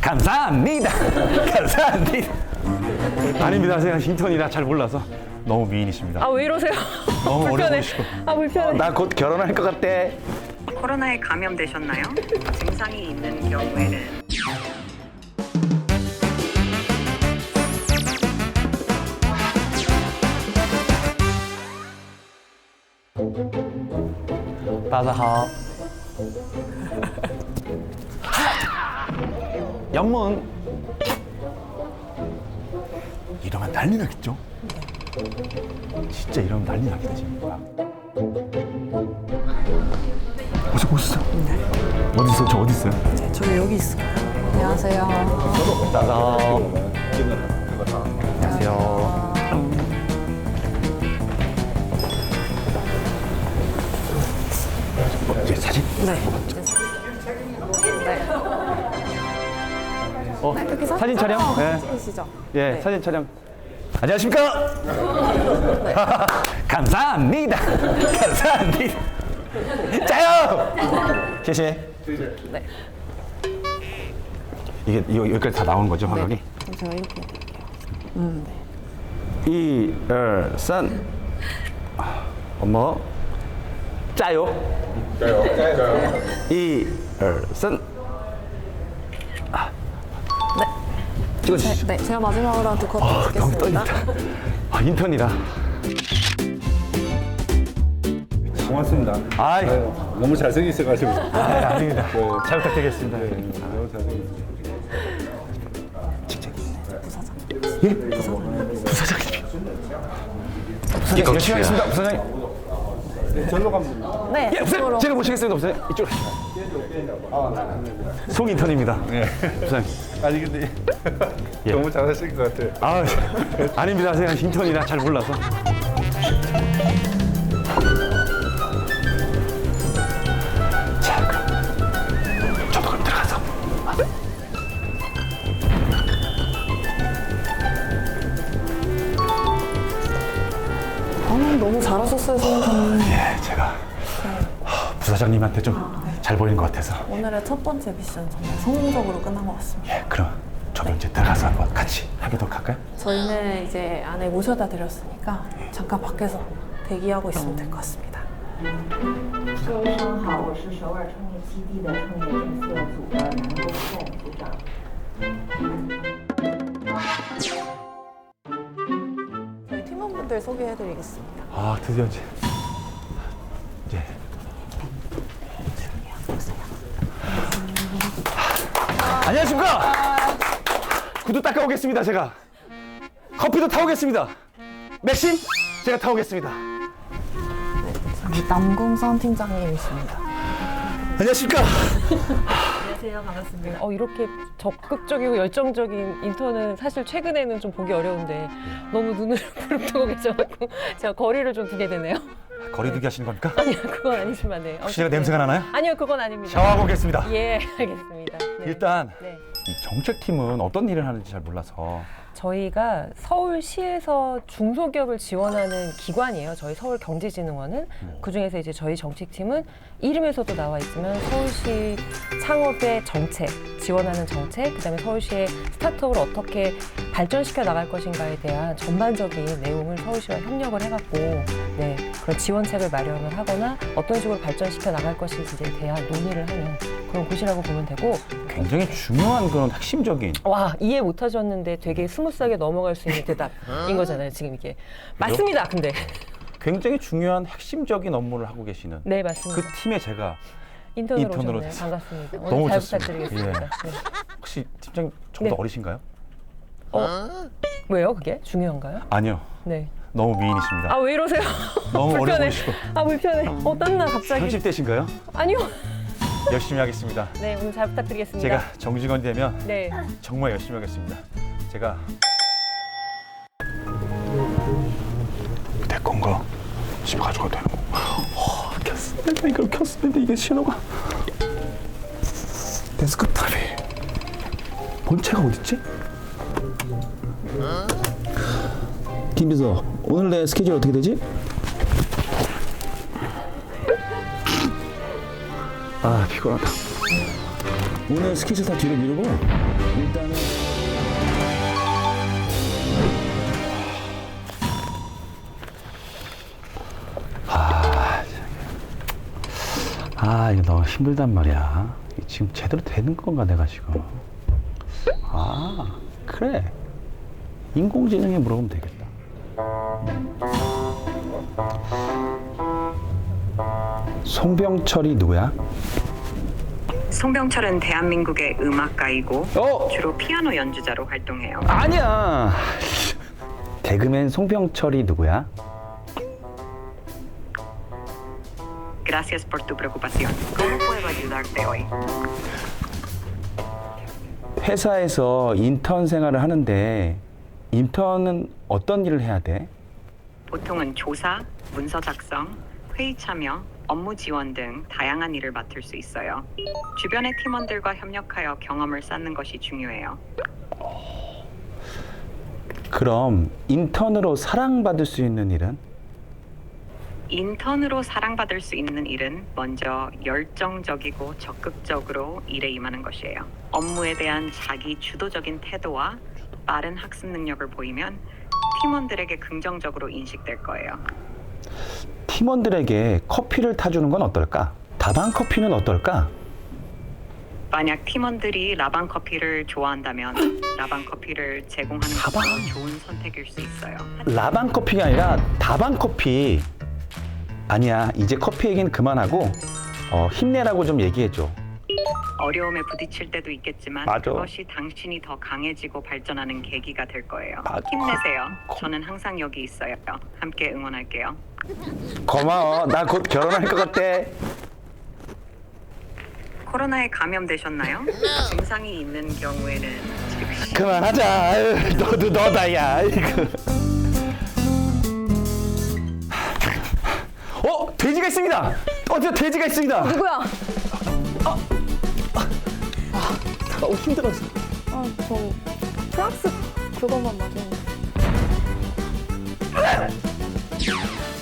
감사합니다. 감사합니다. 아닙니다. 제가 인턴이라 잘 몰라서 너무 미인이십니다. 아 왜 이러세요? 너무 어려 불편해. 보이시고. 아 불편해. 나 곧 결혼할 것 같아. 코로나에 감염되셨나요? 증상이 있는 경우에는 따사하. 연문. 이러면 난리 나겠죠? 진짜 이러면 난리 나겠다 지금. 오셨어? 어디 있어? 저 어디 있어요? 저 여기 있어요. 안녕하세요. 따사. 안녕하세요. 이제 사진? 네. 여기서? 사진 촬영? 네. 찍으시죠? 예, 네. 사진 촬영. 안녕하십니까? 감사합니다. 감사합니다. 짜요.谢谢. 네. 이거 여기까지 다 나오는 거죠, 화각이? 네. 그럼 제가 이렇게 해드릴게요. 네. 1, 2, 3. 어머. 짜요. 1, 2, 3. 네. 찍어주시죠. 네, 제가 마지막으로 한 두 컷 너무 찍겠습니다. 떨린다. 인턴이라. 고맙습니다. 아이, 너무 잘생기셔가지고. 아닙니다. 네. 잘 부탁드리겠습니다. 너무 잘생기셨어요. 예? 부사장님. 부사장님. 열심히 하겠습니다, 부사장님. 절로 가면 됩니다. 네, 예, 부사장님. 이쪽으로. 제가 모시겠습니다, 부사장님. 이쪽으로. 송 인턴입니다. 부사장님. 아니 근데 예. 너무 잘하실 것 같아요. 아, 아닙니다. 제가 인턴이라 잘 몰라서. 자, 그럼 저도 그럼 들어가서. 너무 잘하셨어요, 선생님. 예, 제가 부사장님한테 좀 잘 보이는 것 같아서. 오늘의 첫 번째 미션 정말 성공적으로 끝난 것 같습니다. 예, 그럼 저도 이제 들어가서 한번 같이 하기도 할까요? 저희는 이제 안에 모셔다 드렸으니까 잠깐 밖에서 대기하고 있으면 될 것 같습니다. 各位上午好，我是首尔创业基地的创业检测组的南宫颂组长。 저희 팀원분들 소개해드리겠습니다. 아, 드디어 이제. 안녕하십니까? 구두 닦아오겠습니다, 제가. 커피도 타오겠습니다. 맥심? 제가 타오겠습니다. 저기 남궁선 팀장님이십니다. 안녕하십니까? 안녕하세요. 반갑습니다. 이렇게 적극적이고 열정적인 인턴은 사실 최근에는 좀 보기 어려운데 너무 눈을 부릅뜨고 계셔갖고 제가 거리를 좀 두게 되네요. 거리두기 하시는 겁니까? 아니요, 그건 아니지만 네. 혹시 제가 냄새가 나나요? 아니요, 그건 아닙니다. 샤워하고 오겠습니다. 예, 알겠습니다. 네. 일단 네. 이 정책팀은 어떤 일을 하는지 잘 몰라서. 저희가 서울시에서 중소기업을 지원하는 기관이에요. 저희 서울경제진흥원은. 그중에서 이제 저희 정책팀은 이름에서도 나와 있지만 서울시 창업의 정책, 지원하는 정책, 그다음에 서울시의 스타트업을 어떻게 발전시켜 나갈 것인가에 대한 전반적인 내용을 서울시와 협력을 해갖고 네, 그런 지원책을 마련을 하거나 어떤 식으로 발전시켜 나갈 것인지에 대한 논의를 하는 그런 곳이라고 보면 되고. 굉장히 중요한 그런 핵심적인. 와, 이해 못 하셨는데 되게 스무스하게 넘어갈 수 있는 대답인 거잖아요, 지금 이게. 맞습니다, 근데. 굉장히 중요한 핵심적인 업무를 하고 계시는 네, 그 맞습니다. 팀에 제가 인턴으로 인턴으로 오셨네요. 됐어요. 반갑습니다. 너무 오늘 잘 좋습니다. 부탁드리겠습니다. 네. 혹시 팀장님 저보다 네. 어리신가요? 왜요, 그게? 중요한가요? 아니요. 네. 너무 미인이십니다. 아, 왜 이러세요? 너무 어려 불편해. 보이시고. 아, 불편해. 땀나, 갑자기. 30대신가요? 아니요. 열심히 하겠습니다. 네, 오늘 잘 부탁드리겠습니다. 제가 정직원이 되면 네. 정말 열심히 하겠습니다. 제가 내 건가? 집에 가져가도 되는 거. 켰어. 내가 이걸 켰었는데 이게 신호가. 데스크탑이. 본체가 어딨지? 김비서, 오늘 내 스케줄 어떻게 되지? 아, 피곤하다. 오늘 스케줄 다 뒤로 미루고 일단은 이거 너무 힘들단 말이야. 지금 제대로 되는 건가 내가 지금. 그래. 인공지능에 물어보면 되겠다. 송병철이 누구야? 송병철은 대한민국의 음악가이고 어? 주로 피아노 연주자로 활동해요. 아니야. 개그맨 송병철이 누구야? Gracias por tu preocupación. ¿Cómo puedo ayudarte hoy? 회사에서 인턴 생활을 하는데 인턴은 어떤 일을 해야 돼? 보통은 조사, 문서 작성, 회의 참여, 업무 지원 등 다양한 일을 맡을 수 있어요. 주변의 팀원들과 협력하여 경험을 쌓는 것이 중요해요. 그럼 인턴으로 사랑받을 수 있는 일은? 인턴으로 사랑받을 수 있는 일은 먼저 열정적이고 적극적으로 일에 임하는 것이에요. 업무에 대한 자기 주도적인 태도와 빠른 학습 능력을 보이면 팀원들에게 긍정적으로 인식될 거예요. 팀원들에게 커피를 타주는 건 어떨까? 다방 커피는 어떨까? 만약 팀원들이 라방 커피를 좋아한다면 라방 커피를 제공하는 것도 좋은 선택일 수 있어요. 라방 커피가 아니라 다방 커피. 아니야, 이제 커피 얘기는 그만하고 힘내라고 좀 얘기해줘. 어려움에 부딪힐 때도 있겠지만 맞아. 그것이 당신이 더 강해지고 발전하는 계기가 될 거예요. 맞아. 힘내세요. 저는 항상 여기 있어요. 함께 응원할게요. 고마워. 나 곧 결혼할 것 같아. 코로나에 감염되셨나요? 증상이 있는 경우에는 즉시 그만하자. 아유, 너도 너다, 야. 돼지가 있습니다. 저 돼지가 있습니다. 누구야? 너무 힘들었어. 저 프랑스 그것만 맞으면